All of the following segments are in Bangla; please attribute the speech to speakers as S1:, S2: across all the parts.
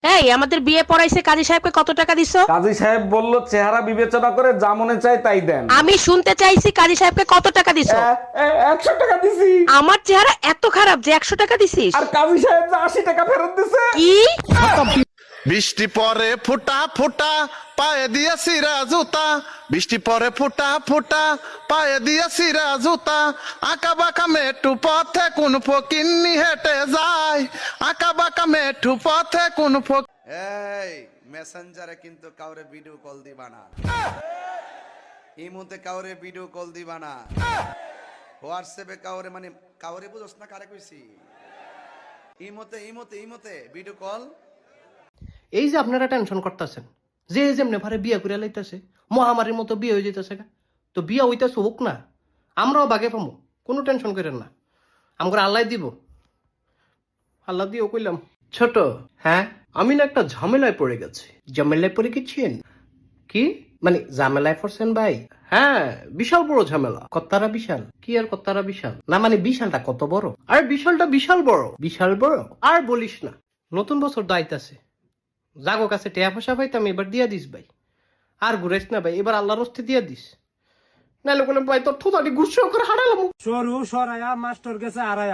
S1: এই আমাদের বিয়ে পড়াইছে কাজী সাহেবকে কত টাকা দিছো?
S2: কাজী সাহেব বলল চেহারা বিবেচনা করে যা মনে চায় তাই দেন।
S1: আমি শুনতে চাইছি কাজী সাহেবকে কত টাকা দিছো?
S2: 100 টাকা দিছি।
S1: আমার চেহারা এত খারাপ যে 100 টাকা দিছিস?
S2: আর কাজী সাহেব যে 80 টাকা ফেরত দিছে।
S1: কি?
S3: বৃষ্টি পরে ফোঁটা ফোঁটা পায়ে দিয়া সিরা জুতা, বৃষ্টি পরে ফোঁটা ফোঁটা পায়ে দিয়া সিরা জুতা, আঁকা বাঁকা মেটু পথে কোন ফকিন্নি হেঁটে যায়, আঁকা বাঁকা মেটু পথে কোন ফক।
S4: এই মেসেঞ্জারে কিন্তু কাউরে ভিডিও কল দিবা না, ইমোতে কাউরে ভিডিও কল দিবা না, হোয়াটসঅ্যাপে কাউরে মানে কাউরে বুঝছ না কারে কইছি, ইমোতে ইমোতে ইমোতে ভিডিও কল।
S5: এই যে আপনারা টেনশন করতেছেন যে যেমনে ভারে বিয়া করে লাইতেছে, মহামারীর মতো বিয়ে হয়ে যেতেছে, তো বিয়া হইতেছে হোক না, আমরাও বাগে পাবো, কোনো টেনশন করেন না, আমরা আল্লাহ দিব, আল্লাহ দিয়েও কইলাম। ছোট, হ্যাঁ আমি না একটা ঝামেলায় পড়ে গেছি। ঝামেলায় পড়ে গেছেন? কি মানে ঝামেলায় পড়ছেন ভাই? হ্যাঁ বিশাল বড় ঝামেলা। কত্তারা বিশাল? কি আর কত্তারা বিশাল না, মানে বিশালটা কত বড়? আর বিশালটা বিশাল বড়। বিশাল বড় আর বলিস না। নতুন বছর দায়িত্ব জাগো কাছে টেয়া পয়সা পাইতাম, এবার দিয়া দিস ভাই, আর ঘুরাইস না ভাই, এবার আল্লাহর হস্তে দিয়া দিস, নাহলে কোনো ভাই তোর থোতাটি গুচ্ছ করে হারালাম।
S6: সরু সরায়া মাস্টার গেছে আড়ায়া,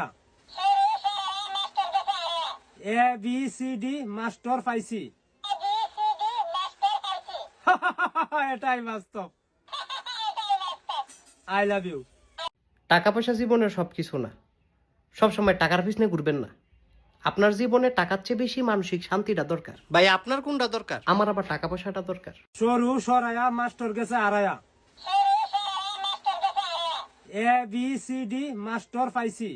S6: A B C D master পাইছি। এটাই বাস্তব। I love you.
S5: টাকা পয়সা জীবনের সবকিছু না, সবসময় টাকার পিছনে ঘুরবেন না। আপনার জীবনে টাকার চেয়ে বেশি মানসিক শান্তিটা দরকার। ভাই আপনার কোনটা দরকার? আমার আবার টাকা পয়সাটা দরকার।
S6: সরু সরায়া মাস্টার গেছে আড়ায়া, A B C D master পাইছি।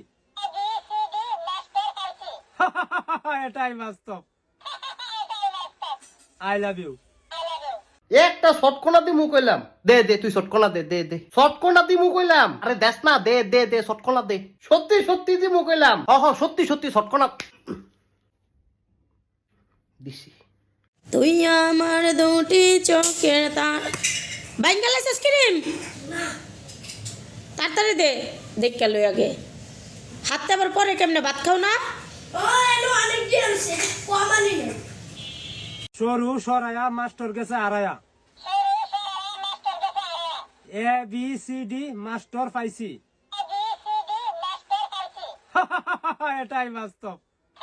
S6: এটাই বাস্তব। I love you.
S5: একটা শটকোনা দি মুখ কইলাম, দে দে তুই শটকোনা দে, দে দে শটকোনা দি মুখ কইলাম। আরে দেখ না, দে দে দে শটকোনা দে। সত্যি সত্যি দি মুখ কইলাম। সত্যি সত্যি শটকোনা দিছি।
S7: তুই আমার দুটি চোখের তার বাইঙ্গালাস আইসক্রিম তাড়াতাড়ি দে, দেখ কেন আগে হাতটা আবার পরে কেমনে ভাত খাও না?
S6: সরু সরায়া মাস্টার গেছে আড়ায়া, A B C D master পাইছি। এটাই বাস্তব।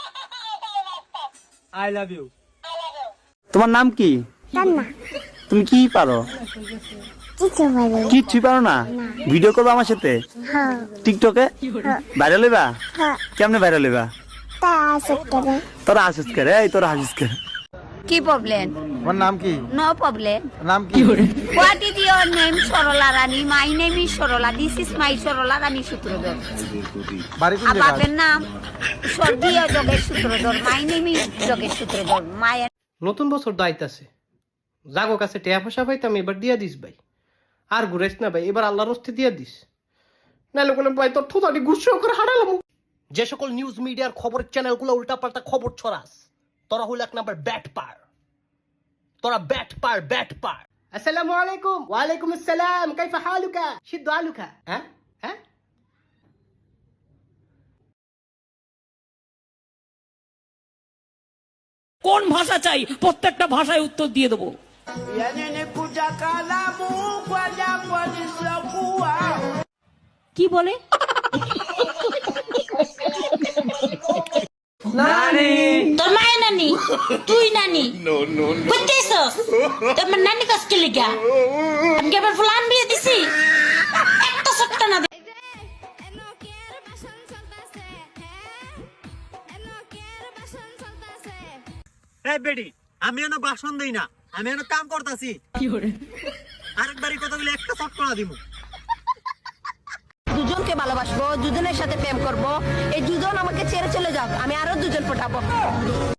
S6: I love you.
S8: তোমার নাম কি? তুমি কি পারো? কিচ্ছুই পারো না? ভিডিও করবো আমার সাথে টিকটকে? ভাইরাল হইবা? কেমনে ভাইরাল হইবা? তোরা হাসিস করে, এই তোরা হাসিস করে।
S9: কি প্রবলেম?
S8: তোমার নাম কি?
S9: No problem.
S8: নাম কি?
S9: What is your name? Sarala Rani. My name is Sarala. This is my Sarala Rani Sutradhar.
S8: বাড়ি কোন জায়গা?
S9: বাপের নাম স্বর্গীয় Yogesh Sutradhar. My name is Yogesh Sutradhar. মায়ের
S5: নতুন বছর দায়িত্ব জাগো কাছে টেয়া পয়সা পাইতাম, এবার দিয়া দিস ভাই, আর ঘুরাইস না ভাই, এবার আল্লাহর হস্তে দিয়া দিস, নাহলে কোনো ভাই তোর থোতাটি গুচ্ছ করে হারালাম। যে সকল নিউজ মিডিয়ার খবরের চ্যানেলগুলো উল্টাপাল্টা খবর ছড়াস, তোরা হইল এক নাম্বার ব্যাট পার। তোরা ব্যাট পার। আসসালামু আলাইকুম। ওয়ালাইকুম আসসালাম। কাইফা হালুকা? সিদ্ধ আলুকা। হ্যাঁ হ্যাঁ।
S10: কোন ভাষা চাই প্রত্যেকটা ভাষায় উত্তর দিয়ে দেবো। কি বলে?
S7: তোর মায়ের নানি, তুই নানি করতেছস? তোমার নানি কষ্ট লিগা আমি আবার ফুলান বিয়ে দিছি, একটা সত্তা না দে।
S6: এই বেডি, আমি এনে বাসন দেই না, আমি এনে কাম করতাছি। আরেকবারই কথাগুলো একটা শট করে দিমু।
S9: দুজনকে ভালোবাসবো, দুজনের সাথে প্রেম করব, এই দুজন আমাকে ছেড়ে চলে যাক, আমি আরো দুজন পটাবো।